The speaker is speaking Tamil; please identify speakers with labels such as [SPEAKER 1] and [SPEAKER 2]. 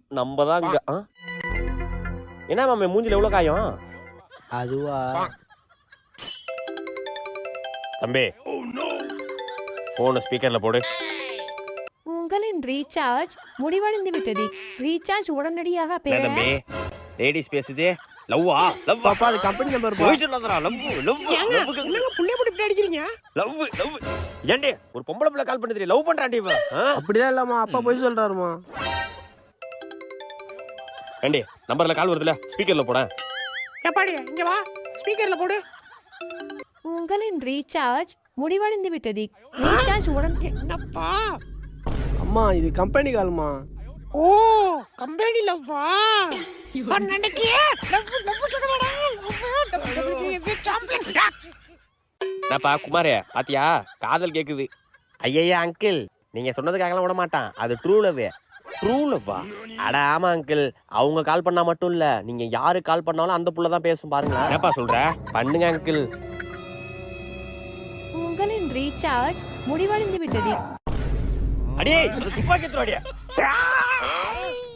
[SPEAKER 1] நம்ம தான் இங்க என்ன மாமே மூஞ்சில எவ்வளவு காயம்?
[SPEAKER 2] அதுவா
[SPEAKER 1] தம்பி போன் ஸ்பீக்கர்ல போடு.
[SPEAKER 3] உங்களின் ரீசார்ஜ் முடிவடைந்து விட்டது. ரீசார்ஜ் உடனடியாக பெற.
[SPEAKER 1] தம்பி லேடிஸ் பேசுதே. லவ்வா லவ்
[SPEAKER 2] பாப்பா அது கம்பெனி நம்பர் பா.
[SPEAKER 1] போய் சொல்லாதடா. லவ் லவ்
[SPEAKER 2] என்னங்க புள்ளைய போட்டு இப்படி அடிக்கிறீங்க?
[SPEAKER 1] லவ் லவ் ஏண்டி ஒரு பொம்பளை பிள்ளை கால் பண்ணுது லவ் பண்றான்டி இவ.
[SPEAKER 2] அப்படிதான் இல்லம்மா அப்பா போய் சொல்றாருமா.
[SPEAKER 1] ஏண்டி நம்பர்ல கால் வருதுல ஸ்பீக்கர்ல போட.
[SPEAKER 2] ஏப்பாடி இங்க வா ஸ்பீக்கர்ல போடு.
[SPEAKER 3] உங்களின் ரீசார்ஜ் முடிவடைந்து விட்டது. ரீசார்ஜ் உடன்.
[SPEAKER 2] என்னப்பா அம்மா இது கம்பெனி கால்மா. ஓ கம்பெனி லவ்வா
[SPEAKER 1] என்னப்பா குமாரே பாத்தியா காதல் கேக்குது. ஐயா அங்கிள் நீங்க சொன்னதுக்காகலாம் விட மாட்டான். அது ட்ரூ லவ். ட்ரூ லவ்வா? அட ஆமா அங்கிள். அவங்க கால் பண்ணா மட்டும் இல்ல நீங்க யாரு கால் பண்ணாலும் அந்த புள்ள தான் பேசும் பாருங்க. என்னப்பா சொல்ற? பண்ணுங்க அங்கிள்.
[SPEAKER 3] உங்களின் ரீசார்ஜ் முடிவடைந்து விட்டது.
[SPEAKER 1] அடியே துப்பாக்கி தோடியா.